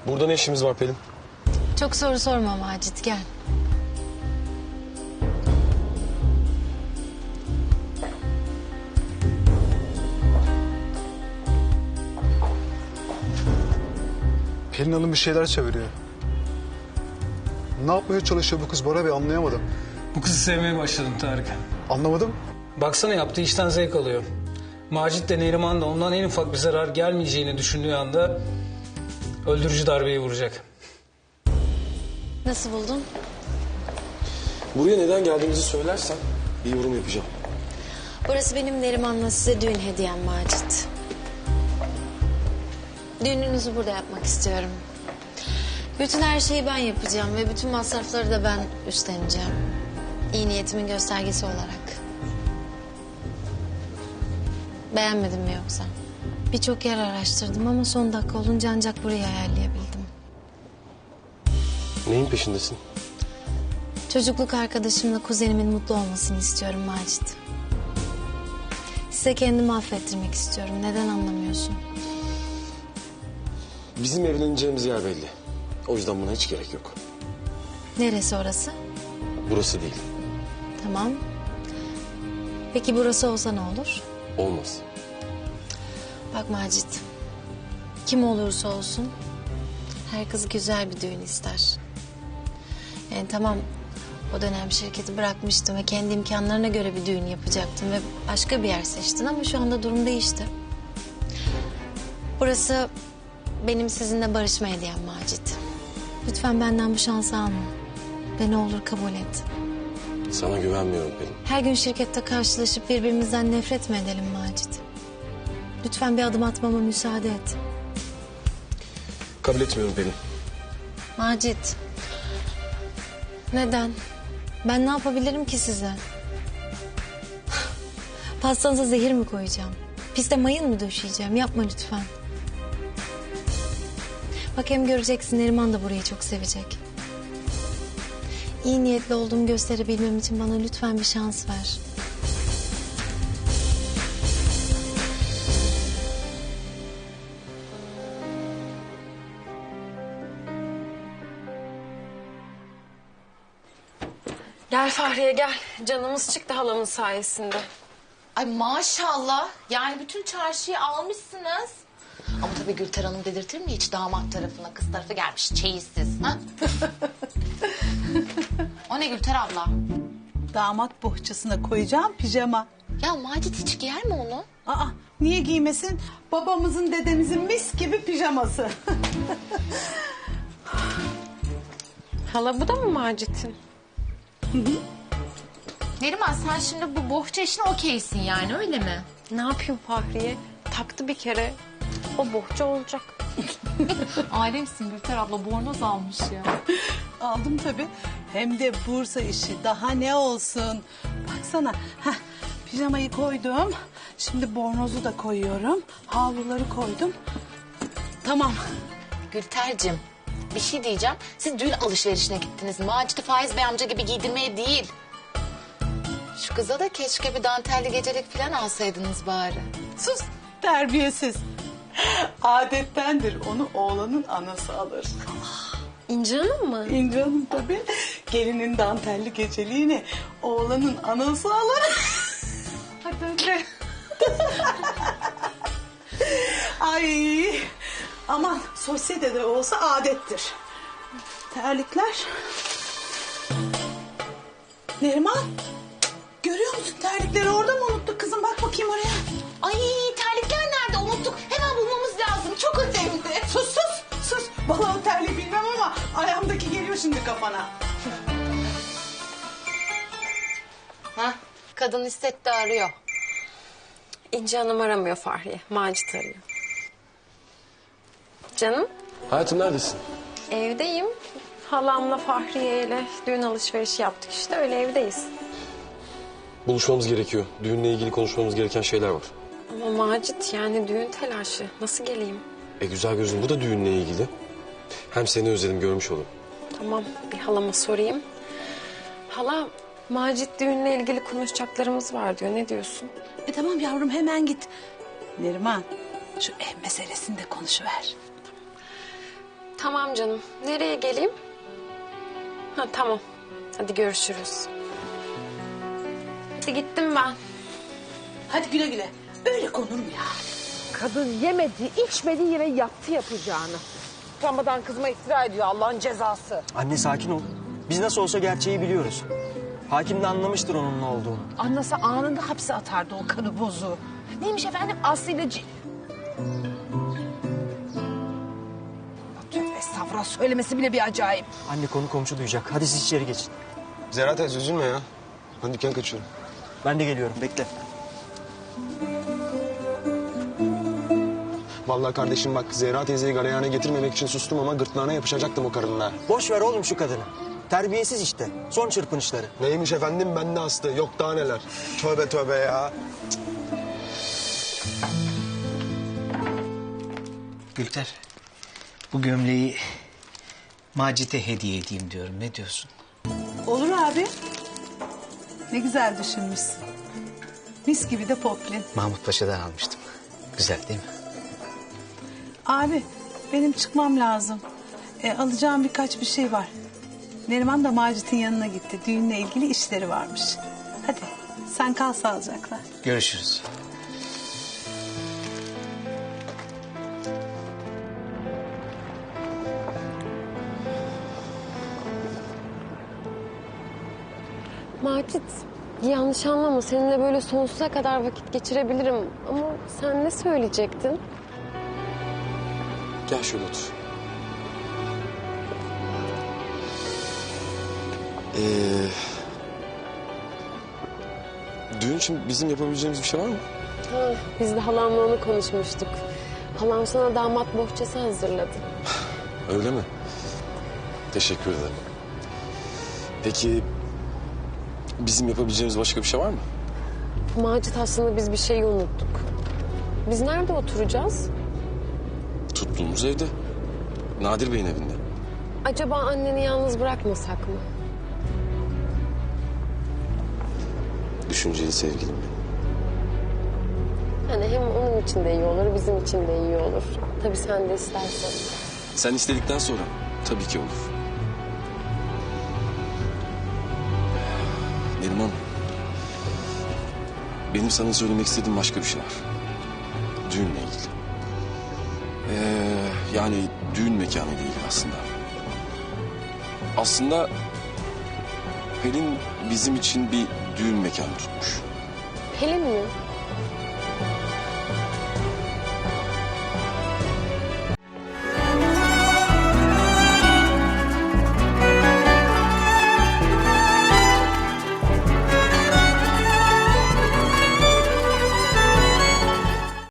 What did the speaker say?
Burada ne işimiz var Pelin? Çok soru sorma Macit, gel. Pelin Hanım bir şeyler çeviriyor. Ne yapmaya çalışıyor bu kız Bora Bey, anlayamadım. Bu kızı sevmeye başladım Tarık. Anlamadım. Baksana yaptığı işten zevk alıyor. Macit de Neriman da ondan en ufak bir zarar gelmeyeceğini düşündüğü anda öldürücü darbeyi vuracak. Nasıl buldun? Buraya neden geldiğimizi söylersen bir yorum yapacağım. Burası benim Neriman'la size düğün hediyem Macit. Düğününüzü burada yapmak istiyorum. Bütün her şeyi ben yapacağım ve bütün masrafları da ben üstleneceğim. İyi niyetimin göstergesi olarak. Beğenmedin mi yoksa? Birçok yer araştırdım ama son dakika olunca ancak burayı ayarlayabildim. Neyin peşindesin? Çocukluk arkadaşımla kuzenimin mutlu olmasını istiyorum Macit. Size kendimi affettirmek istiyorum. Neden anlamıyorsun? Bizim evleneceğimiz yer belli. O yüzden buna hiç gerek yok. Neresi orası? Burası değil. Tamam. Peki burası olsa ne olur? Olmaz. Bak Macit, kim olursa olsun her kız güzel bir düğün ister. Yani tamam, o dönem şirketi bırakmıştım ve kendi imkanlarına göre bir düğün yapacaktım ve başka bir yer seçtin ama şu anda durum değişti. Burası benim sizinle barışma hediyem Macit. Lütfen benden bu şansı alma ve ne olur kabul et. Sana güvenmiyorum Pelin. Her gün şirkette karşılaşıp birbirimizden nefret mi edelim Macit? Lütfen bir adım atmama müsaade et. Kabul etmiyorum Pelin. Macit. Neden? Ben ne yapabilirim ki size? Pastanıza zehir mi koyacağım? Piste mayın mı döşeyeceğim? Yapma lütfen. Bak hem göreceksin, Neriman da burayı çok sevecek. İyi niyetli olduğumu gösterebilmem için bana lütfen bir şans ver. Gel Fahriye gel. Canımız çıktı halamın sayesinde. Ay maşallah. Yani bütün çarşıyı almışsınız. Ama tabii Gülter Hanım dedirtir mi hiç damat tarafına? Kız tarafı gelmiş çeyizsiz. Ha? O ne Gülter abla? Damat bohçasına koyacağım pijama. Ya Macit hiç giyer mi onu? Aa, niye giymesin? Babamızın dedemizin mis gibi pijaması. Hala bu da mı Macit'in? Neriman sen şimdi bu bohça işine okeysin yani öyle mi? Ne yapayım Fahriye? Taktı bir kere. O bohça olacak. Alemsin Gülter abla, bornoz almış ya. Aldım tabii. Hem de Bursa işi. Daha ne olsun? Baksana. Heh, pijamayı koydum. Şimdi bornozu da koyuyorum. Havluları koydum. Tamam. Gülter'cim bir şey diyeceğim. Siz düğün alışverişine gittiniz. Macit'i Faiz Bey amca gibi giydirmeye değil. Şu kıza da keşke bir dantelli gecelik falan alsaydınız bari. Sus, terbiyesiz. Adettendir, onu oğlanın anası alır. İnci Hanım mı? İnci Hanım tabii. Gelinin dantelli geceliğini oğlanın anası alır. Hadi hadi. Ay, aman sosyetede olsa adettir. Terlikler. Neriman, görüyor musun terlikleri orada mı unuttuk kızım? Bak bakayım oraya. Ay terlikler nerede unuttuk. Hemen bulmamız lazım. Çok önemli. Sus sus sus. Vallahi terliği bilmem ama ayağımdaki geliyor şimdi kafana. Ha, kadın hissetti arıyor. İnci Hanım aramıyor Fahriye. Macit arıyor. Canım Hayatım neredesin? evdeyim. Halamla Fahriye ile düğün alışverişi yaptık işte, öyle evdeyiz. Buluşmamız gerekiyor. Düğünle ilgili konuşmamız gereken şeyler var. Ama Macit yani düğün telaşı. Nasıl geleyim? Güzel gözüm, bu da düğünle ilgili. Hem seni özledim, görmüş olayım. Tamam, bir halama sorayım. Hala, Macit düğünle ilgili konuşacaklarımız var diyor. Ne diyorsun? Tamam yavrum, hemen git. Neriman, şu ev meselesini de konuşuver. Tamam canım. Nereye geleyim? Ha tamam. Hadi görüşürüz. Hadi gittim ben. Hadi güle güle. Öyle konur mu ya? Kadın yemedi, içmedi yine yaptı yapacağını. Utanmadan kızıma iftira ediyor Allah'ın cezası. Anne sakin ol. Biz nasıl olsa gerçeği biliyoruz. Hakim de anlamıştır onun ne olduğunu. Anlasa anında hapse atardı o kanı bozu. Neymiş efendim Aslı ile... Tövbe estağfurullah söylemesi bile bir acayip. Anne konu komşu duyacak. Hadi siz içeri geçin. Zehra teyze üzülme ya. Ben dükkan kaçıyorum. Ben de geliyorum. Bekle. Vallahi kardeşim bak Zehra teyzeyi galeyana getirmemek için sustum ama gırtlağına yapışacaktım o karınla. Boş ver oğlum şu kadını. Terbiyesiz işte. Son çırpınışları. Neymiş efendim bende astı. Yok daha neler. Tövbe tövbe ya. Gülter, bu gömleği Macit'e hediye edeyim diyorum. Ne diyorsun? Olur abi. Ne güzel düşünmüşsün. Mis gibi de poplin. Mahmut Paşa'dan almıştım. Güzel değil mi? Abi benim çıkmam lazım. Alacağım birkaç bir şey var. Neriman da Macit'in yanına gitti. Düğünle ilgili işleri varmış. Hadi sen kal sağlıcakla. Görüşürüz. Macit, yanlış anlama. Seninle böyle sonsuza kadar vakit geçirebilirim. Ama sen ne söyleyecektin? Gel şöyle otur. Düğün için bizim yapabileceğimiz bir şey var mı? Ha, biz de halamla onu konuşmuştuk. Halam sana damat bohçası hazırladı. Öyle mi? Teşekkür ederim. Peki bizim yapabileceğimiz başka bir şey var mı? Macit aslında biz bir şeyi unuttuk. Biz nerede oturacağız? Tuttuğumuz evde. Nadir Bey'in evinde. Acaba anneni yalnız bırakmasak mı? Düşünceli sevgilim benim. Yani hem onun için de iyi olur, bizim için de iyi olur. Tabii sen de istersen. Sen istedikten sonra tabii ki olur. Neriman, benim sana söylemek istediğim başka bir şey var. Düğünle ilgili. Yani düğün mekanı ile ilgili aslında. Aslında Pelin bizim için bir düğün mekanı tutmuş. Pelin mi?